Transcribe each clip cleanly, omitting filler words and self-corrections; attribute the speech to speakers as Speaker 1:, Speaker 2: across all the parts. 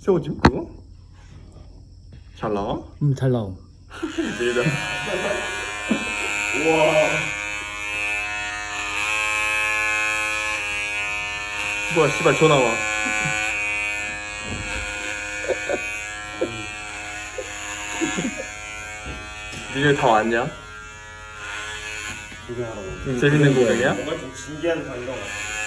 Speaker 1: 새우찜 그거? 잘 나와?
Speaker 2: 잘 나옴.
Speaker 1: 내다. 우와. 뭐야 씨발 전화 와. 니네 다 왔냐?
Speaker 3: 구경하라고.
Speaker 1: 재밌는 구경이야?
Speaker 3: 뭔가 좀 신기한 장면 같아.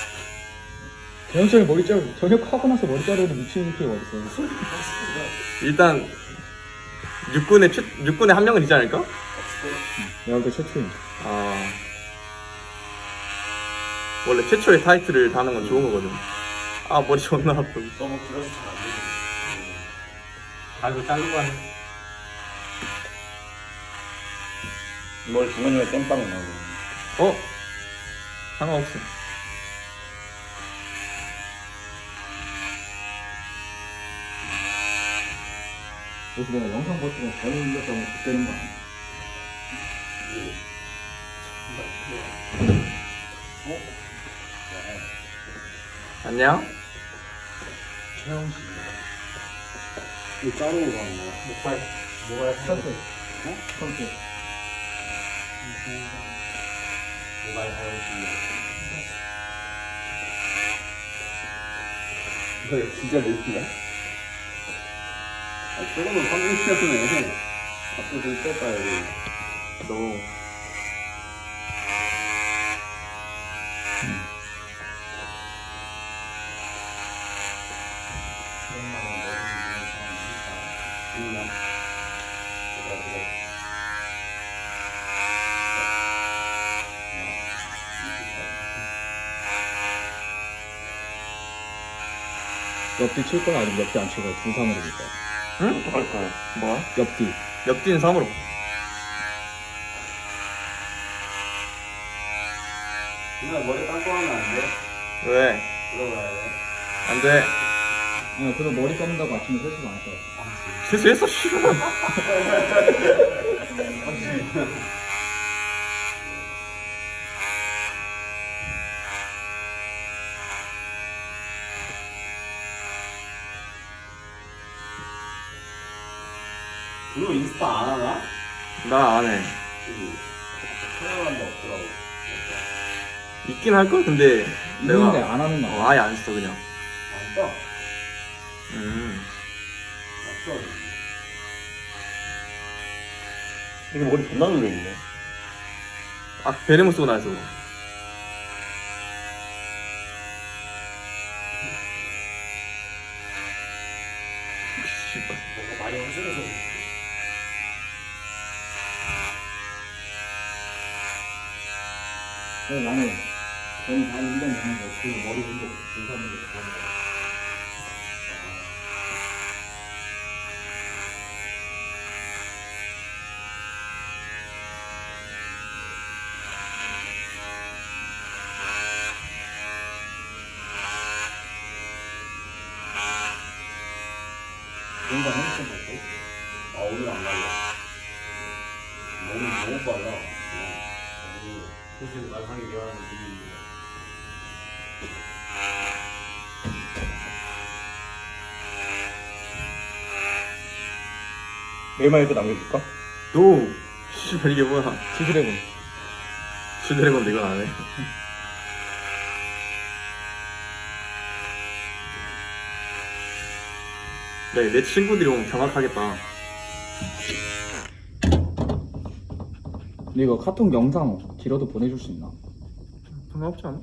Speaker 2: 영철이 머리 자르 저녁하고 나서 머리 자르는 미친 피가 어딨어?
Speaker 1: 일단 육군에 한 명은 있지 않을까?
Speaker 2: 내가 볼때 최초임.
Speaker 1: 아 원래 최초의 타이틀을 다는 건 좋은 거거든. 아 머리 존나 아프.
Speaker 3: 너무 길어서 잘 안 되지.
Speaker 1: 아이고 자르고 하네.
Speaker 3: 뭘 중간중간에 땜빵 나고.
Speaker 1: 어? 상관없어.
Speaker 2: 그래서 내가 영상 버티고 잘못 눌렀다고 그때는 거 아니야?
Speaker 1: 안녕?
Speaker 3: 최영 씨. 이거 자르고 가는 거야. 목발. 뭐가
Speaker 2: 선택.
Speaker 3: 어?
Speaker 2: 선택.
Speaker 3: 모발 사용시.
Speaker 4: 이거 진짜 몇 야 아, 저거는 300kg네. 앞으로 좀 뺄까요?
Speaker 1: 너
Speaker 2: 옆뒤 칠 거야 아니면 옆뒤 안 칠 거야? 두3으로 칠 거야?
Speaker 1: 응?
Speaker 3: 어떡할 거야?
Speaker 1: 뭐야?
Speaker 2: 옆뒤.
Speaker 1: 옆뒤는 3으로.
Speaker 4: 그냥 머리 감고 하면 안 돼?
Speaker 1: 왜?
Speaker 4: 들어가야 돼.
Speaker 1: 안 돼.
Speaker 2: 야, 그래도 머리 감는다고 아침에 세수도 안 할 거야.
Speaker 1: 세수했어 씨발.
Speaker 4: 그거 인스타 안 하나?
Speaker 1: 나 안 해.
Speaker 4: 촬영한 거 없더라고.
Speaker 1: 있긴 할걸? 근데
Speaker 2: 있는데 안 하는 거 아니야?
Speaker 1: 아예 안 써 그냥.
Speaker 4: 안 떠.
Speaker 1: 음.
Speaker 4: 안 떠.
Speaker 3: 이게 머리 존나 눌려있네.
Speaker 1: 아 베레모 쓰고 나서. 씨발.
Speaker 3: 뭔가 많이 허술해서.
Speaker 2: 그래서 나는 저는 다 1년 되는데 그 머리 운동 두3으로 하는 거야. 뭔가 핸드폰 할 때?
Speaker 4: 아, 오늘 안 갈래. 너무 빨라.
Speaker 3: 사실 말하기 미안한 일인데. 메일마이크 남겨줄까?
Speaker 1: 너 씨발 이게 뭐야?
Speaker 2: 치즈레곤.
Speaker 1: 슈드래곤도 이건 안 해. 네, 내 친구들이 오면 경악하겠다.
Speaker 2: 근데 이거 카톡 영상 길어도 보내줄 수 있나?
Speaker 1: 상관없지 않아?